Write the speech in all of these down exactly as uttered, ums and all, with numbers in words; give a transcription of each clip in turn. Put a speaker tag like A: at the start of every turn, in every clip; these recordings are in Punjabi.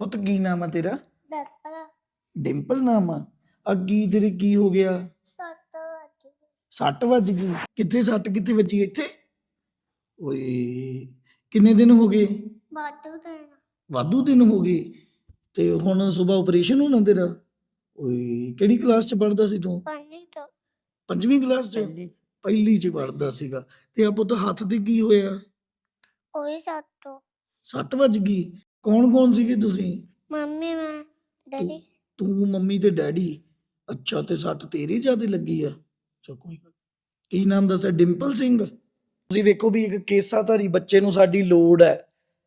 A: ਪੁੱਤ ਕੀ ਨਾਮ ਆ ਤੇਰਾ?
B: ਡਾਕਟਰ
A: ਡਿੰਪਲ ਨਾਮ ਆ। ਅੱਗੀ ਤੇਰੇ ਕੀ ਹੋ ਗਿਆ?
B: ਸੱਤ ਵਜੇ
A: ਸੱਟ ਵੱਜ ਗਈ? ਕਿੱਥੇ ਸੱਟ ਕਿੱਥੇ ਵੱਜੀ? ਇੱਥੇ? ਓਏ ਕਿੰਨੇ ਦਿਨ ਹੋ ਗਏ?
B: ਵਾਧੂ ਦਿਨ
A: ਵਾਧੂ ਦਿਨ ਹੋ ਗਏ। ਤੇ ਹੁਣ ਸਵੇਰ ਆਪਰੇਸ਼ਨ ਹੋਣਾ ਤੇਰਾ? ਓਏ ਕਿਹੜੀ ਕਲਾਸ ਚ ਪੜਦਾ ਸੀ ਤੂੰ?
B: ਪਾਣੀ ਤੋਂ
A: ਪੰਜਵੀਂ ਕਲਾਸ ਚ?
C: ਪਹਿਲੀ ਚ।
A: ਪਹਿਲੀ ਚ ਪੜਦਾ ਸੀਗਾ। ਤੇ ਆ ਪੁੱਤ ਹੱਥ ਤੇ ਕੀ ਹੋਇਆ?
B: ਉਹੀ ਸੱਤ
A: ਸੱਟ ਵੱਜ ਗਈ। ਕੌਣ ਕੌਣ ਸੀਗੇ ਤੁਸੀਂ?
B: ਮੰਮੀ ਮੈਂ ਡੈਡੀ
A: ਤੂੰ ਮੰਮੀ ਤੇ ਡੈਡੀ। ਅੱਛਾ ਤੇ ਸੱਟ ਤੇਰੇ ਜ਼ਿਆਦੇ ਲੱਗੀ ਆ? ਚਲ ਕੋਈ ਗੱਲ। ਕੀ ਨਾਮ ਦੱਸਿਆ? ਡਿੰਪਲ ਸਿੰਘ। ਤੁਸੀਂ ਵੇਖੋ ਵੀ ਇੱਕ ਕੇਸਾਧਾਰੀ ਬੱਚੇ ਨੂੰ ਸਾਡੀ ਲੋੜ ਹੈ।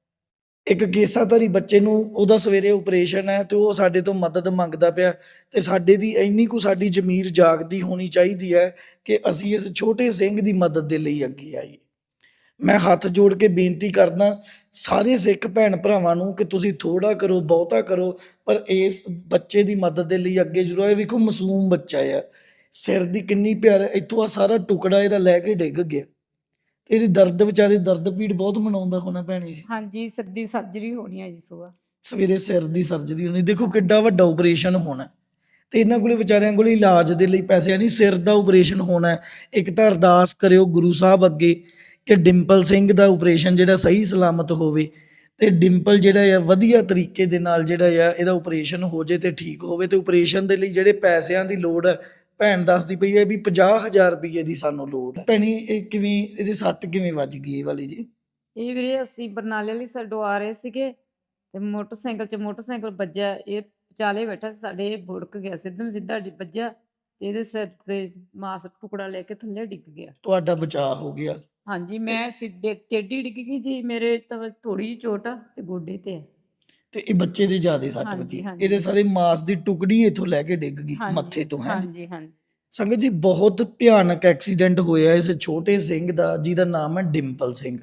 A: ਇੱਕ ਕੇਸਾਧਾਰੀ ਬੱਚੇ ਨੂੰ ਉਹਦਾ ਸਵੇਰੇ ਆਪਰੇਸ਼ਨ ਹੈ ਤੇ ਉਹ ਸਾਡੇ ਤੋਂ ਮਦਦ ਮੰਗਦਾ ਪਿਆ ਤੇ ਸਾਡੇ ਦੀ ਇੰਨੀ ਕੁ ਸਾਡੀ ਜ਼ਮੀਰ ਜਾਗਦੀ ਹੋਣੀ ਚਾਹੀਦੀ ਹੈ ਕਿ ਅਸੀਂ ਇਸ ਛੋਟੇ ਸਿੰਘ ਦੀ ਮਦਦ ਦੇ ਲਈ ਅੱਗੇ ਆਈਏ। ਮੈਂ ਹੱਥ ਜੋੜ ਕੇ ਬੇਨਤੀ ਕਰਦਾ ਸਾਰੇ ਸਿੱਖ ਭੈਣ ਭਰਾਵਾਂ ਨੂੰ ਕਿ ਤੁਸੀਂ ਥੋੜਾ ਕਰੋ ਬਹੁਤਾ ਕਰੋ ਪਰ ਇਸ ਬੱਚੇ ਦੀ ਮਦਦ ਦੇ ਲਈ ਅੱਗੇ ਜ਼ਰੂਰ ਆਏ। ਵੇਖੋ ਮਾਸੂਮ ਬੱਚਾ ਆ, ਸਿਰ ਦੀ ਕਿੰਨੀ ਪਿਆਰ, ਇੱਥੋਂ ਆ ਸਾਰਾ ਟੁਕੜਾ ਇਹਦਾ ਲੈ ਕੇ ਡਿੱਗ ਗਿਆ। ਇਹਦੀ ਦਰਦ ਵਿਚਾਰੇ ਦਰਦ ਪੀੜ ਬਹੁਤ ਮਨਾਉਂਦਾ ਹੋਣਾ ਭੈਣੇ।
C: ਹਾਂਜੀ ਸਿਰ ਦੀ ਸਰਜਰੀ ਹੋਣੀ ਹੈ ਜੀ ਸੁਬਾ।
A: ਸਵੇਰੇ ਸਿਰ ਦੀ ਸਰਜਰੀ ਹੋਣੀ। ਦੇਖੋ ਕਿੱਡਾ ਵੱਡਾ ਆਪਰੇਸ਼ਨ ਹੋਣਾ ਤੇ ਇਹਨਾਂ ਕੋਲੇ ਵਿਚਾਰਿਆਂ ਕੋਲੇ ਇਲਾਜ ਦੇ ਲਈ ਪੈਸੇ ਨਹੀਂ, ਸਿਰ ਦਾ ਆਪਰੇਸ਼ਨ ਹੋਣਾ ਹੈ। ਇੱਕ ਤਾਂ ਅਰਦਾਸ ਕਰਿਓ ਗੁਰੂ ਸਾਹਿਬ ਅੱਗੇ ਕਿ ਡਿੰਪਲ ਸਿੰਘ ਦਾ ਆਪਰੇਸ਼ਨ ਜਿਹੜਾ ਸਹੀ ਸਲਾਮਤ ਹੋਵੇ ਤੇ ਡਿੰਪਲ ਜਿਹੜਾ ਆ ਵਧੀਆ ਤਰੀਕੇ ਦੇ ਨਾਲ ਜਿਹੜਾ ਆ ਇਹਦਾ ਆਪਰੇਸ਼ਨ ਹੋ ਜੇ ਤੇ ਠੀਕ ਹੋਵੇ। ਤੇ ਆਪਰੇਸ਼ਨ ਦੇ ਲਈ ਜਿਹੜੇ ਪੈਸਿਆਂ ਦੀ ਲੋੜ ਹੈ ਭੈਣ ਦੱਸਦੀ ਪਈ ਹੈ ਵੀ ਪੰਜਾਹ ਹਜ਼ਾਰ ਰੁਪਏ ਦੀ ਸਾਨੂੰ ਲੋੜ ਹੈ। ਭੈਣੀ ਇਹ ਕਿਵੇਂ ਇਹਦੀ ਸੱਟ ਕਿਵੇਂ ਵੱਜ ਗਈ ਇਹ ਵਾਲੀ ਜੀ?
C: ਇਹ ਵੀਰੇ ਅਸੀਂ ਬਰਨਾਲੇ ਵਾਲੀ ਸਾਈਡੋਂ ਆ ਰਹੇ ਸੀਗੇ ਤੇ ਮੋਟਰਸਾਈਕਲ 'ਚ ਮੋਟਰਸਾਈਕਲ ਵੱਜਿਆ, ਇਹ ਵਿਚਾਲੇ ਬੈਠਾ ਸੀ ਸਾਡੇ, ਇਹ ਬੁੜਕ ਗਿਆ ਸਿੱਧਮ ਸਿੱਧਾ ਡਿ- ਵੱਜਿਆ ਤੇ ਇਹਦੇ ਸਿਰ ਤੇ ਮਾਸ ਟੁਕੜਾ ਲੈ ਕੇ ਥੱਲੇ ਡਿੱਗ ਗਿਆ।
A: ਤੁਹਾਡਾ ਬਚਾਅ ਹੋ ਗਿਆ।
C: ਹਾਂਜੀ ਮੈਂ ਸਿੱਧੇ ਟੇਢੀ ਡਿੱਗ ਗਈ ਜੀ, ਮੇਰੇ ਤਾਂ ਥੋੜੀ ਜਿਹੀ ਚੋਟ ਆ ਤੇ ਗੋਡੇ ਤੇ ਹੈ।
A: ਤੇ ਇਹ ਬੱਚੇ ਦੇ ਜ਼ਿਆਦਾ ਸੱਟ
C: ਹਾਂਜੀ,
A: ਵੱਜੀ।
C: ਹਾਂਜੀ।
A: ਇਹਦੇ ਸਾਰੇ ਮਾਸ ਦੀ ਟੁਕੜੀ ਇੱਥੋਂ ਲੈ ਕੇ ਡਿੱਗ ਗਈ
C: ਹਾਂਜੀ,
A: ਮੱਥੇ ਤੋਂ ਹੈ।
C: ਹਾਂਜੀ ਹਾਂਜੀ
A: ਸੰਗਤ ਜੀ ਬਹੁਤ ਭਿਆਨਕ ਐਕਸੀਡੈਂਟ ਹੋਇਆ ਇਸ ਛੋਟੇ ਸਿੰਘ ਦਾ ਜਿਹਦਾ ਨਾਮ ਹੈ ਡਿੰਪਲ ਸਿੰਘ।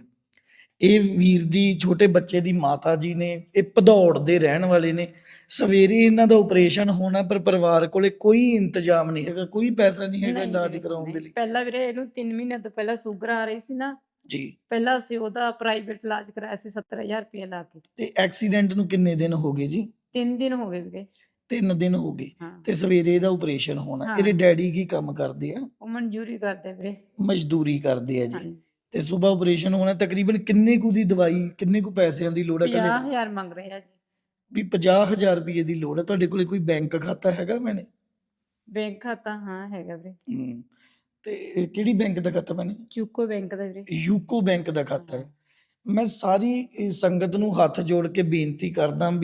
A: ਇਹ ਵੀਰ ਦੀ ਛੋਟੇ ਬੱਚੇ ਦੀ ਮਾਤਾ ਜੀ ਨੇ, ਇਹ ਭਦੌੜ ਦੇ ਰਹਿਣ ਵਾਲੇ ਨੇ। ਸਵੇਰੇ ਇਹਨਾਂ ਦਾ ਆਪਰੇਸ਼ਨ ਹੋਣਾ ਪਰ ਪਰਿਵਾਰ ਕੋਲੇ ਕੋਈ ਇੰਤਜ਼ਾਮ ਨਹੀਂ ਹੈਗਾ, ਕੋਈ ਪੈਸਾ ਨਹੀਂ ਹੈਗਾ
C: ਨਹੀਂ
A: ਇਲਾਜ
C: ਵੀਰੇ,
A: ਕਰਾਉਣ ਦੇ
C: ਨਹੀਂ।
A: ਲਈ।
C: ਪਹਿਲਾਂ ਵੀਰੇ ਇਹਨੂੰ ਤਿੰਨ ਮਹੀਨੇ ਤੋਂ ਪਹਿਲਾਂ ਸ਼ੂਗਰ ਆ ਰਹੀ ਸੀ ਨਾ,
A: ਜੀ।
C: ਪਹਿਲਾਂ ਅਸੀਂ ਉਹਦਾ ਪ੍ਰਾਈਵੇਟ ਇਲਾਜ ਕਰਾਇਆ ਸੀ ਸੱਤਰ ਹਜ਼ਾਰ ਰੁਪਏ ਲਾ ਕੇ।
A: ਤੇ ਐਕਸੀਡੈਂਟ ਨੂੰ ਕਿੰਨੇ ਦਿਨ ਹੋ ਗਏ ਜੀ?
C: ਤਿੰਨ ਦਿਨ ਹੋ ਗਏ ਵੀਰੇ।
A: ਤਿੰਨ ਦਿਨ ਹੋ ਗਏ
C: ਹਾਂ
A: ਤੇ ਸਵੇਰੇ ਇਹਦਾ ਆਪਰੇਸ਼ਨ ਹੋਣਾ।
C: ਹਾਂ।
A: ਇਹਦੇ ਡੈਡੀ ਕੀ ਕੰਮ ਕਰਦੇ ਆ?
C: ਉਹ ਮਨਜ਼ੂਰੀ ਕਰਦੇ ਵੀਰੇ।
A: ਮਜ਼ਦੂਰੀ ਕਰਦੇ ਆ ਜੀ।
C: ਹਾਂਜੀ
A: ਤੇ ਸਵੇਰ ਆਪਰੇਸ਼ਨ ਹੋਣਾ। ਤਕਰੀਬਨ ਕਿੰਨੇ ਕੁ ਦੀ ਦਵਾਈ, ਕਿੰਨੇ ਕੁ ਪੈਸਿਆਂ ਦੀ ਲੋੜ ਹੈ?
C: ਪੰਜਾਹ
A: ਕੱਲੇ
C: ਹਜ਼ਾਰ ਮੰਗ ਰਹੇ ਆ ਜੀ।
A: ਵੀ ਪੰਜਾਹ ਹਜ਼ਾਰ ਰੁਪਏ ਦੀ ਲੋੜ ਹੈ। ਤੁਹਾਡੇ ਕੋਲੇ ਕੋਈ ਬੈਂਕ ਖਾਤਾ ਹੈਗਾ ਮੈਨੇ?
C: ਬੈਂਕ ਖਾਤਾ ਹਾਂ ਹੈਗਾ ਵੀਰੇ।
A: ਹੂੰ। ਤੇ ਕਿਹੜੀ ਬੈਂਕ ਦਾ ਖਾਤਾ ਮੈਨੇ?
C: ਚੂਕੋ ਬੈਂਕ ਦਾ ਵੀਰੇ।
A: ਯੂਕੋ ਬੈਂਕ ਦਾ ਖਾਤਾ ਹੈ। ਮੈਂ ਸਾਰੀ ਇਹ ਸੰਗਤ ਨੂੰ ਹੱਥ ਜੋੜ ਕੇ ਬੇਨਤੀ ਕਰਦਾ